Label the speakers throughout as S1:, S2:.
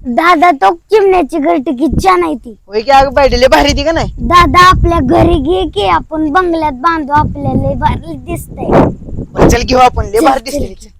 S1: दादा तो चिमण्याची घरटी किती छान आहे ती.
S2: होय की अगं बायडले भारी ती का नाही.
S1: दादा आपल्या घरी घे की आपण बंगल्यात बांधू आपल्याला लय भारी दिसतंय.
S2: बरं, चल घेऊ आपण लय भारी
S1: चल,
S2: दिसते.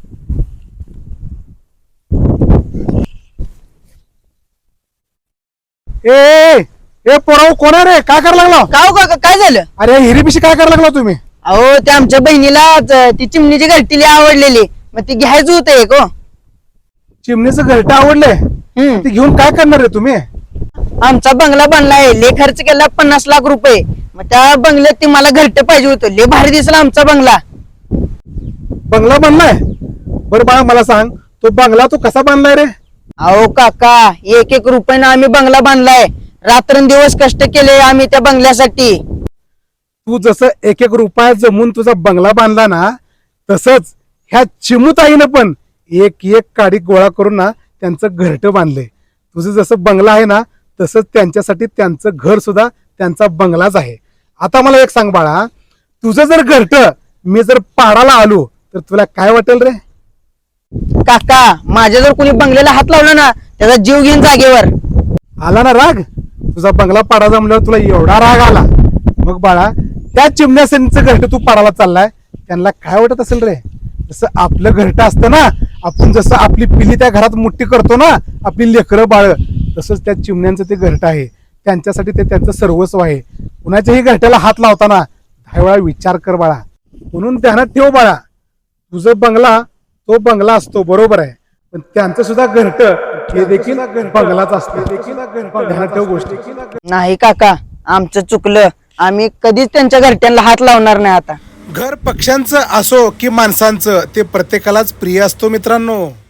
S3: ए ए पोराव कोण आहे रे? काय करायला लागला?
S2: का हो काका काय झालं?
S3: अरे हिरीपिशी काय करायला लागला तुम्ही?
S2: अहो ते आमच्या बहिणीला ती चिमणीची घरटी लय आवडलेली मग ती घ्यायचं होतं एक. हो
S3: चिमणीचं घरटं आवडलंय ते घेऊन काय करणार रे तुम्ही?
S2: आमचा बंगला बनलाय लय खर्च केला 50 लाख रुपये. मग त्या बंगल्यात ती मला घरटे पाहिजे होतं. लय भारी दिसला आमचा बंगला.
S3: बंगला बांधलाय? बरं बाळा मला सांग तो बंगला तू कसा बांधलाय रे?
S2: अहो काका 1-1 रुपयानं आम्ही बंगला बांधलाय. रात्रंदिवस कष्ट केले आम्ही त्या बंगल्यासाठी.
S3: तू जसं 1-1 रुपया जमून तुझा बंगला बांधला ना तसंच ह्या चिमुताईनं पण 1-1 काडी गोळा करून ना त्यांचं घरटं बांधलंय. तुझं जसं बंगला आहे ना तसंच त्यांच्यासाठी त्यांचं घर सुद्धा त्यांचा बंगलाच आहे. आता मला एक सांग बाळा, तुझं जर घरटं मी जर पाडायला आलो तर तुला काय वाटेल रे?
S2: काका माझ्या जर कोणी बंगल्याला हात लावला ना त्याचा जीव घेईन जागेवर.
S3: आला ना राग? तुझा बंगला पाडायचा म्हणल्यावर तुला एवढा राग आला. मग बाळा त्या चिमण्याचं घरटं तू पाडायला चाललाय त्यांना काय वाटत असेल रे? जसं आपलं घरटं असतं ना, आपण जसं आपली पिली त्या घरात मुठ्ठी करतो ना आपली लेकरं बाळ, तसंच त्या चिमण्यांचं ते घरटं आहे. त्यांच्यासाठी ते त्यांचं सर्वस्व आहे. कुणाच्याही घरट्याला हात लावताना 10 वेळा विचार कर बाळा. म्हणून ध्यानात ठेव बाळा, तुझं बंगला तो बंगला असतो बरोबर आहे पण त्यांचं सुद्धा घरटं हे देखील बंगलाच असतं. ध्यानात ठेव गोष्टी.
S2: नाही काका आमचं चुकलं. आम्ही कधीच त्यांच्या घरट्यांना हात लावणार नाही आता.
S3: घर पक्ष्यांचं असो की माणसांचं ते प्रत्येकालाच प्रिय असतो मित्रांनो.